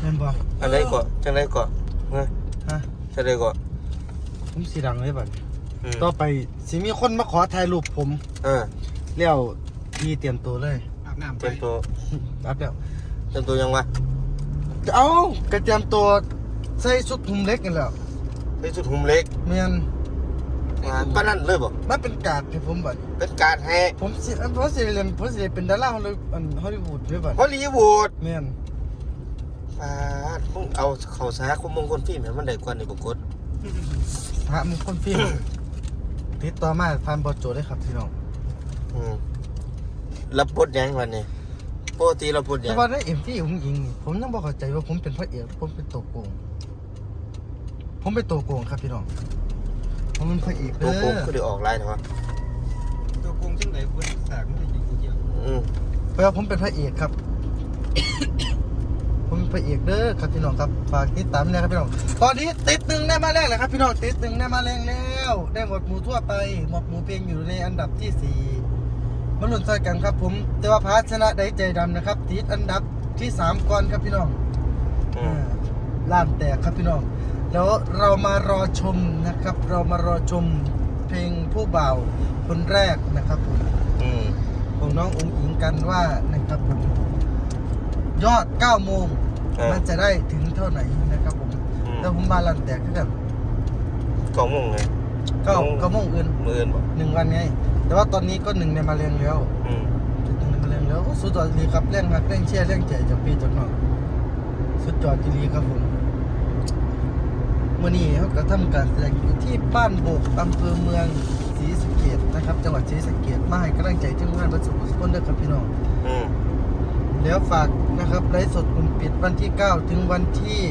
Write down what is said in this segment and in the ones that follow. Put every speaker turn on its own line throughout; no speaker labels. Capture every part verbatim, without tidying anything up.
นบ่
อันไหนก่อนจังไดก่อนฮะ
ฮะ
จังไดก่อน
ผมสิดังเลยบัดต่อไปสิมีคนมาขอถ่ายรูปผม
เออ
แล้วพี่เตรียมตัวเลย
อาบน้ำ
เตรียมตัว
อาบแล้ว
เตรียมตัวยังวะ
เอ้ากระเตรียมตัวใส่ชุดหุ่มเล็กกันแล้ว
ใส่ชุดหุ่มเล็ก
แม่น
อ่าปานนั้นเลยบ่
มันเป็นการ์ดให้ผมบัด
เป็นการให้
ผมสิเพราะสิเรียนเพราะสิเป็นดาราฮอลลีวูดฮอลลีวูดด้วยบัด
ฮอลลีวูด
แม่น
อ่ามึงเอาเข้าสาคุมมงคลฟิล์มให้มันได้กว่านี่บ่กด
ฮะมงคลฟิล์มติดต่อมาผ่านบอโจได้ครับพี่น้อง
อืมรับบทยังวันนี้ปกติเราบทยัง
แต่ว่าในเอ็มวีผมยิงผมยังบ่เข้าใจว่าผมเป็นพระเอกผมเป็นตัวโกงผมเป็นตัวโกงครับพี่น้องผมเป็นพระเอก
ตัวโกงคือได้ออกไลน์นะวะ
ตัวโกงจังไหนคนสากมันอยู่เยอะ
อืม
เพราะว่าผมเป็นพระเอกครับ ผมเป็นพระเอกเด้อครับพี่น้องครับฝากติดตามนะครับพี่น้องตอนนี้ติดหนึ่งได้มาแรกเลยครับพี่น้องติดหนึ่งได้มาแรงแล้วได้หมวดหมู่ทั่วไปหมวดหมู่เพลงอยู่ในอันดับที่สี่มาลุ้นใส่กันครับผมแต่ว่าพาชนะได้ใจดำนะครับติดอันดับที่สามก่อนครับพี่น้องล้านแตกครับพี่น้องแล้วเรามารอชมนะครับเรามารอชมเพลงผู้บ่าวคนแรกนะครับผมของน้องอุ๋งอิงกันว่านะครับผมยอดเก้าโมงมันจะได้ถึงเท่าไหร่นะครับผมแล้วผมมาลันแตกขึ้นกัน
เก้าโมงไง
เก้าเก้าโมงอื่น
มื่นบอก
หนึ่งวันไงแต่ว่าตอนนี้ก็หนึ่งในมาเรียงแล้วจุดหนึ่งในมาเรียงแล้วสุดยอดดีครับเร่งรักเร่งเชี่ยเร่งใจจากพี่จากน้องสุดยอดดีครับผมวันนี้เขาก็ทำการแสดงอยู่ที่บ้านโบกอำเภอเมืองศรีสะเกษนะครับจังหวัดศรีสะเกษมาให้กำลังใจทีมงานบรรจุสุขนด้วยครับพี่น้องแล้วฝากนะครับไลฟ์สดกลุ่มปิดวันที่เก้าถึงวันที่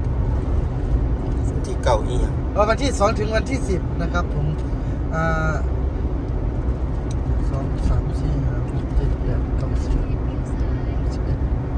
ที่เก้าอีก
วันที่สองถึงวันที่สิบนะครับผมอ่าสองสามสี่ห้าหกเจ็ดแปดเก้าสิบสิบเอ็ด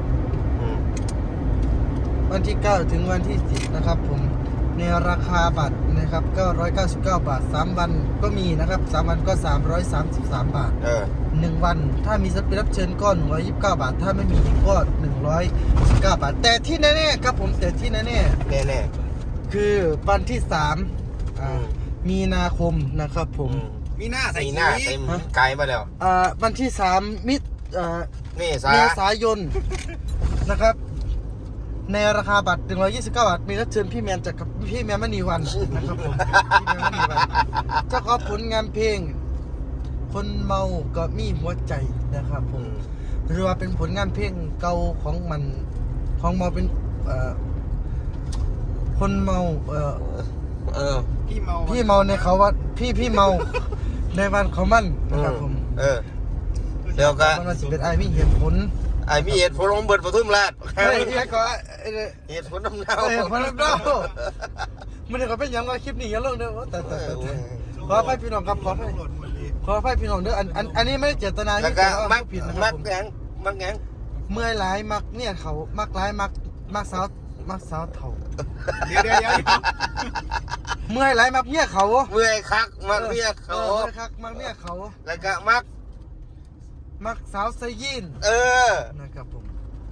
วันที่เก้าถึงวันที่สิบนะครับผมในราคาบัตรนะครับเก้าร้อยเก้าสิบเก้าบาทสามวันก็มีนะครับสามวันก็สามร้อยสามสิบสามบาท
เออ
หนึ่งวันถ้ามีศิลปินรับเชิญก็หนึ่งร้อยยี่สิบเก้าบาทถ้าไม่มีก็หนึ่งร้อยสิบเก้าบาทแต่ที่แน่ๆครับผมแต่ที่แน่
ๆแน่
ๆคือวันที่สามอ่ามีนาคมนะครับผม
มีหน้าใส่
หน้าเต็มไกลมาแล้ว
อ่าวันที่สามมิอ่า
เม
ษายนนะครับในราคาบัตรหนึ่งร้อยยี่สิบเก้าบาทมีรับเชิญพี่แมนจากกับพี่แมนมณีวันนะครับผมพี่แมนมณีวันเจ้าของผลงานเพลงคนเมาก็มีหัวใจนะครับผมหรือว่าเป็นผลงานเพลงเก่าของมันของเมาเป็นเอ่อคนเมาเอ่อ
เออ
พี่เมา
พี่เมาในเขาว่าพี่พี่เมาในวันเขามันนะครับผม
เออเดี๋ยวก็
มันสิเป็นไอ้มีเหตุผล
ไอ้มีเหตุผลของเบิร์ดปทุมราช
เฮ้ยเฮ้ยก็
เหตุผลน้ำเน่า
เหตุผลน้ำเน่ามันก็เป็นอย่างว่าคลิปนี้อย่าลงเด้อแต่แต่ขอให้พี่น้องครับขอให้ขอให้พี่น้องเด้ออันอันอันนี้ไม่ได้เจตนา
ที่จะมักผิดนะครับผมมักแงมักแง
เมื่อยหลายมักเนี่ยเขามักหลายมักมักสาวมักสาวเถ่า
เดี๋ยวเดี๋ยวเดี๋ยว
เมื่อยหลายมักเนี่ยเขา
เมื่อยคักมักเนี่ยเขา
เมื่อยคักมักเนี่ยเขา
แล้วก็มัก
มักสาวไซยิน
เออ
นะครับผม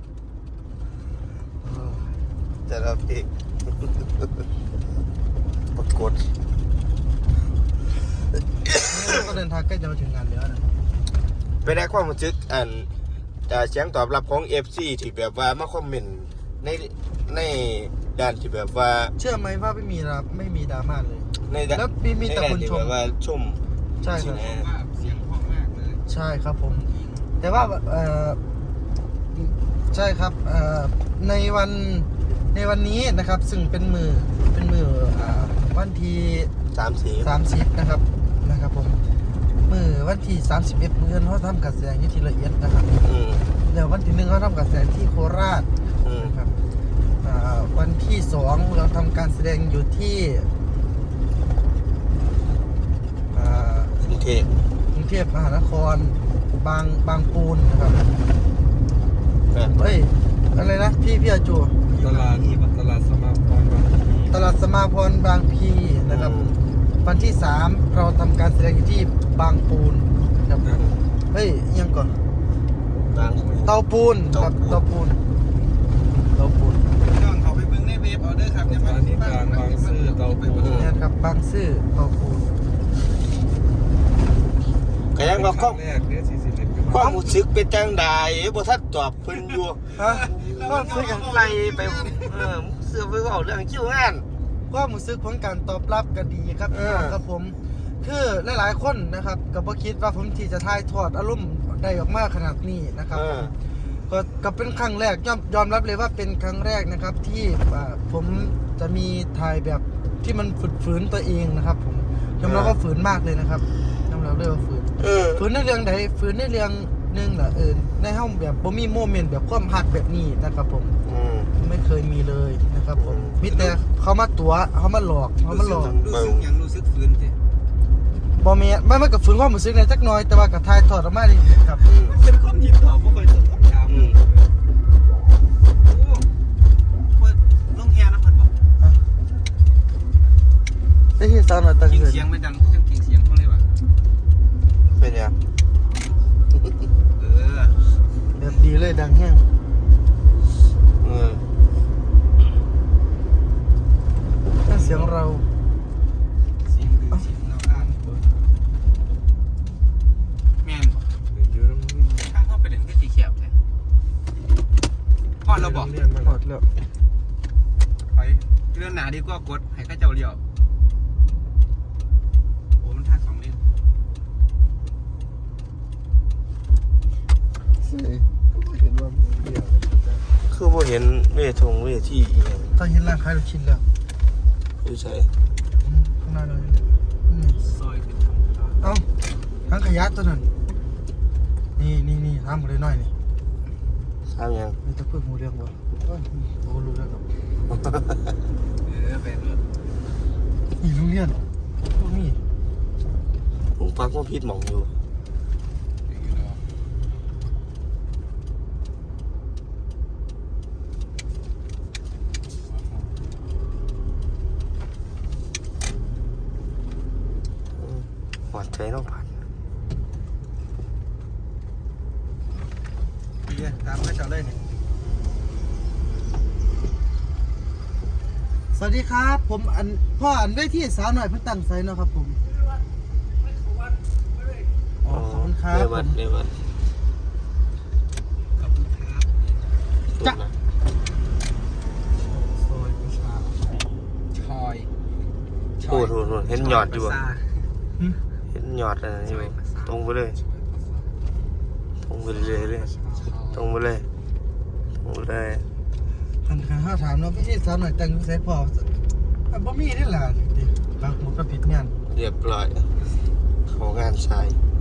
จะรับอีกปรากฏ
ก็เดินทางใกล้จะมาถึงงานแล้วนะ
ไปได้ความรู้สึกอันจากเสียงตอบรับของ เอฟ ซี ที่แบบว่ามาคอมเมนต์ในในด้านที่แบบว่า
เชื่อไหมว่าไม่มีรับไม่มีดราม่าเลยแล้วมีมีแต่คนชม
ว่าชม
ใช่ครับ
เสียงเพราะมากเลย
ใช่ครับผมแต่ว่าเออใช่ครับเออในวันในวันนี้นะครับซึ่งเป็นมือเป็นมืออ่าวันที่
สามสิบ
สามสิบนะครับนะครับผมมือวันที่สามสิบเอ็ดมือเขาทำการแสดงที่ละเอียดนะครับเดี๋ยววันที่หนึ่งเขาทำการแสดงที่โคราชนะครับวันที่สองเราทำการแสดงอยู่ที่
กรุงเทพ
กรุงเทพมหานครบางบางปูนนะครับเฮ้ยอะไรนะพี่พี่อาจู
ตลาดตลาดสมาพร
ตลาดสมาพรบางพีนะครับวันที่สามเราทำการแสดงอยู่ที่บางปูนครับเฮ้ยยังก่อน
บาง
เตาปูนครับเตาปูนเตาปูนบางซื่อเตาปูน
ก็ยังว่าความ
แรกเนี่ยสี่สิบเอ็ด
ความรู้สึกเป็นจังใดบ่ทันตอบเพิ่นอยู่
ฮะความรู้สึกอย่าง
ไล่ไปเออเสื้อไปเว้าเรื่องคิวงาน
ความรู้สึกของการตอบรับก็ดีครับ
เอ
พี่
อ
น้องครับผมคือหลายๆคนนะครับก็บ่คิดว่าผมที่จะถ่ายทอดอารมณ์ได้ออกมาขนาดนี้นะครับ
เออ
ก็ก็เป็นครั้งแรกยอมยอมรับเลยว่าเป็นครั้งแรกนะครับที่อ่าผมจะมีถ่ายแบบที่มันฝึกฝืนตัวเองนะครับผมยอมรับว่าฝืนมากเลยนะครับยอมรับเลยว่าฝืน
เออ
ฝืนในเรื่องใดฝืนในเรื่องหนึงแหละเออในห้องแบบบ่มีโมเมนต์แบบความหักแบบนี้นะครับผม
อืม
ไม่เคยมีเลยนะครับผม
อืม
มีแต่เขามาตัวเขามาหลอกเขามาหลอก
รู้สึกยังรู้สึกฟื้นสิ
บอเมียไม่ไม่กับฝืนความรู้สึกในจักหน้อยแต่ว่ากับทายถอดออกมาดีครับ
อืม
เป็นคนที่ตอบบ่ค่อยตอบคำถาม
อืม
โอ้เปิดลงแฮนะเพิ่นบอก
ได้ที่สาวหน่อยตั้ง
กิน
เงิน
เสียงไม่ดังจังกินเสียงเขาเลยว่ะ
เป็นยัง
เออ
แบบดีเลยดังแห้ง
เออ
นั่นเสียงเรา
เสียงดื้อเสียงเราอ่านแม่นบ่ทางเข้าไปเล่นก็สิแคบแท้พอดเราบอก
หมดแล้ว
ไปเรื่องหนาดีกว่ากดให้ข้าเจ้าเลี้ยวโอ้มันทางสองเลน
คือบ่เห็นเวทงเวทีอีหยัง
ตอนเห็นร่างคล้ายเราชินแล้ว
อยู่ไส
อืมข้างหน้าเราเนี่ยอืม
ซอยเป็นทางผ่าน
เอ้าทั้งขยะตัวนั้นนี่นี่นี่ทำหมดเลยน้อยนี่
ถามหยัง
มีตะเพื่อหูเรื่องบ่โอ้ยโอ้รู้แล้วครับ
เออเป็นรถ
อีโรงเรียนพวกนี้
ผมปักว่าผิดหม่องอยู่
อยู่เนาะ
หวัดใจน้องพัน
ดีเลยตามข้าเจ้าเลยเนี่ย
สวัสดีครับ ผมอันพ่ออันได้ที่สาวหน่อยเพิ่งตั้งไซน์เนาะครับผมอ๋อขอบคุณครับ
เร
ผ
วัด
ม
เรวัด
ขอบคุณครับ
จ๊ะ
ซอยประชาชอย
โอ้โหโหเห็นยอดอยู่
ประ
อะ
สา
หึ
เห็นยอดอะไรอยู่ตรงไปเลยตรงไปเลยเลยตรงไปเลยตรงไปเลย
คันคันห้าถามเนาะพี่ที่สาวหน่อยตั้งไซน์พออ่ะบ่มีนี่ล่ะดิบางหมดก็ผิดงาน
เรียบร้อยเขางานชาย